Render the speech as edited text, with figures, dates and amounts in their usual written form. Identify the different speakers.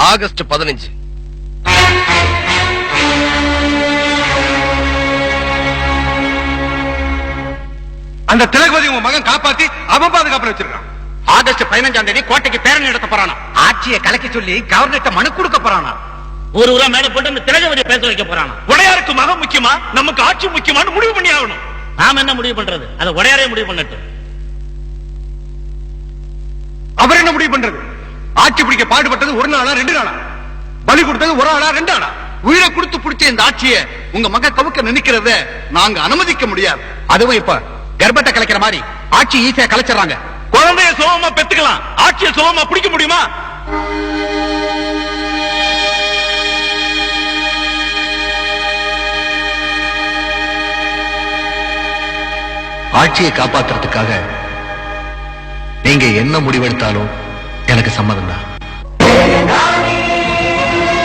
Speaker 1: August 15.
Speaker 2: அந்த திலகவதி உங்க மகன் காப்பாத்தி அவன் பாதுகாப்புல வச்சிருக்கான்.
Speaker 3: ஆகஸ்ட் 15ஆம் தேதி கோட்டைக்கு பேரணி நடத்த போறானா. ஆட்சியை கலைக்க சொல்லி கவர்னர்ட்ட மனு கொடுக்க போறானா.
Speaker 4: ஒரு ஊரா மேல போட்டு அந்த திலகவதியை பேச வைக்க போறானா.
Speaker 3: உடையாருக்கு மகன் முக்கியமா நமக்கு ஆட்சி முக்கியமானு முடிவு பண்ணி ஆகணும்.
Speaker 4: நாம என்ன முடிவு பண்றது? அதை உடையாரே முடிவு பண்ணட்டும்.
Speaker 2: அவர் என்ன முடிவு பண்றது? ஆட்சி பிடிக்க பாடுபட்டது ஒரு நாளா 2 நாளா? பலி கொடுத்தது ஒரு ஆளா 2 ஆளா?
Speaker 3: உயிரை கொடுத்து பிடிச்ச இந்த ஆட்சியை உங்க மகன் கவுக்க நினைக்கிறத நாங்க அனுமதிக்க முடியாது. அதுவும் இப்ப கர்ப்பத்தை கலைக்கிற மாதிரி ஆட்சி ஈஸியா கலைச்சிடறாங்க. குழந்தைய சுலபமா பெத்துக்கலாம், ஆட்சியை சுலபமா பிடிக்க முடியுமா?
Speaker 1: ஆட்சியை காப்பாத்துறதுக்காக நீங்க என்ன முடிவெடுத்தாலும் எனக்கு சம்மதம் தான்.